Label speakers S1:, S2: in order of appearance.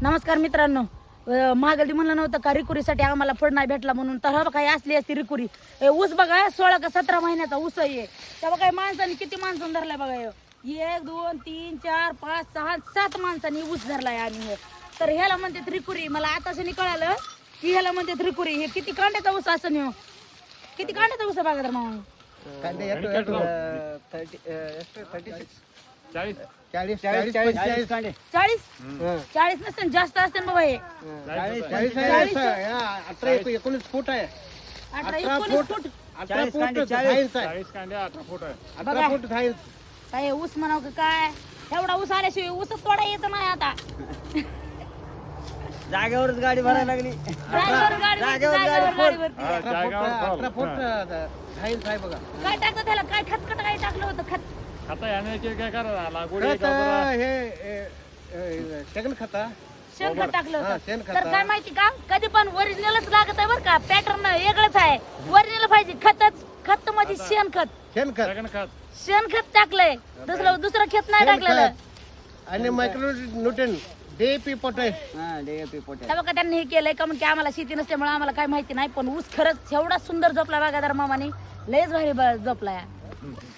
S1: नमस्कार मित्रांनो, महागल्दी म्हणलं नव्हतं का रिकुरीसाठी आम्हाला फळ नाही भेटला म्हणून. तर हा काही असली असती रिकुरी. ऊस बघा 16 का 17 महिन्याचा ऊस आहे. तेव्हा काही माणसांनी किती माणसांनी धरलाय बघा. 1 2 3 4 5 6 7 माणसांनी ऊस धरलाय. आणि तर ह्याला म्हणतात रिकुरी. मला आताच कळालं की ह्याला म्हणतात रिकुरी. हे किती कांड्याचा ऊस असं नाही. किती कांड्याचा ऊस बघा तर मामा. 40 नसते जास्त असते बाबा. हे
S2: 19 फूट आहे.
S1: 18-19 फूट.
S2: 18 फूट आहे.
S1: काय ऊस म्हणाव का काय. एवढा ऊस आल्याशिवाय ऊसच तोडा येत नाही आता.
S3: जागेवरच गाडी भरायला लागली.
S1: जागेवर गाडी भरती.
S2: 18 फूट हाईन्स आहे बघा.
S1: काय टाकलं त्याला, काय खतखट काय टाकलं होतं. खत
S2: हे शेण खाता.
S1: शेणखत टाकलं
S2: हा,
S1: होतं.
S2: शेणखत.
S1: तर काय माहिती का, कधी पण ओरिजिनलच लागत आहे बरं का. पॅटर्न वेगळंच आहे. ओरिजिनल पाहिजे. खत म्हणजे शेणखत. शेणखत टाकलंय. दुसरं खत नाही टाकलेलं.
S2: आणि micro nutrient DAP potash.
S3: DAP potash.
S1: तेव्हा का त्यांनी हे केलंय का, म्हणजे आम्हाला शेती नसल्यामुळे आम्हाला काय माहिती नाही. पण ऊस खरंच एवढा सुंदर झोपला बागादार मामाने. लयच भारी झोपलाय.